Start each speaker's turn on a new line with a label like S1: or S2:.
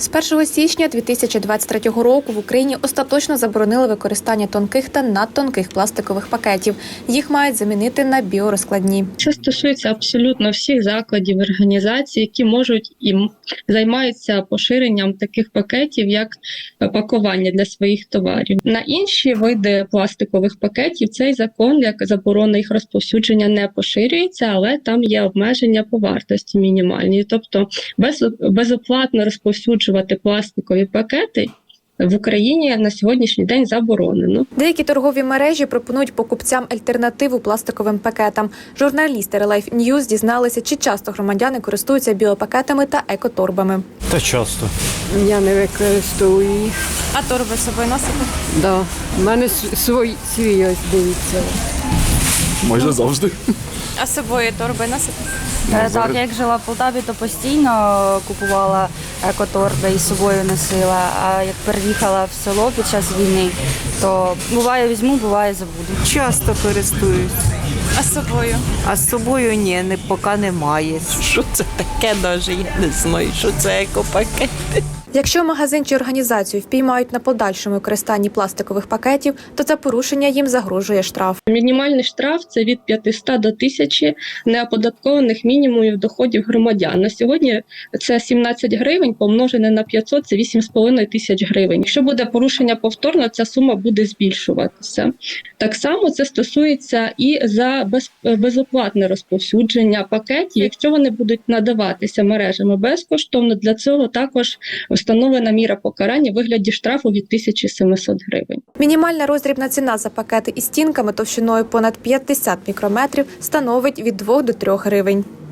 S1: З 1 січня 2023 року в Україні остаточно заборонили використання тонких та надтонких пластикових пакетів. Їх мають замінити на біорозкладні.
S2: Це стосується абсолютно всіх закладів, організацій, які можуть і займаються поширенням таких пакетів, як пакування для своїх товарів. На інші види пластикових пакетів цей закон, як заборона їх розповсюдження, не поширюється, але там є обмеження по вартості мінімальні. Тобто безоплатно розповсюджувати пластикові пакети в Україні на сьогоднішній день заборонено.
S1: Деякі торгові мережі пропонують покупцям альтернативу пластиковим пакетам. Журналісти Relife News дізналися, чи часто громадяни користуються біопакетами та екоторбами.
S3: Та часто.
S4: Я не використовую їх.
S1: А торби з собою носите?
S4: Да. У мене свій ось, дивіться.
S3: Майже завжди.
S1: А з собою торби носите?
S5: Так, як жила в Полтаві, то постійно купувала екоторби і з собою носила. А як переїхала в село під час війни, то буває візьму, буває забуду.
S6: Часто користуюсь,
S1: А з собою?
S6: а з собою ні, поки немає. Що це таке навіть, я не знаю, що це екопакет.
S1: Якщо магазин чи організацію впіймають на подальшому використанні пластикових пакетів, то за порушення їм загрожує штраф.
S2: Мінімальний штраф – це від 500 до 1000 неоподаткованих мінімумів доходів громадян. На сьогодні це 17 гривень, помножене на 500 – це 8,5 тисяч гривень. Якщо буде порушення повторно, ця сума буде збільшуватися. Так само це стосується і за безоплатне розповсюдження пакетів. Якщо вони будуть надаватися мережами безкоштовно, для цього також встановлена міра покарання у вигляді штрафу від 1700 гривень.
S1: Мінімальна роздрібна ціна за пакети із стінками товщиною понад 50 мікрометрів становить від 2 до 3 гривень.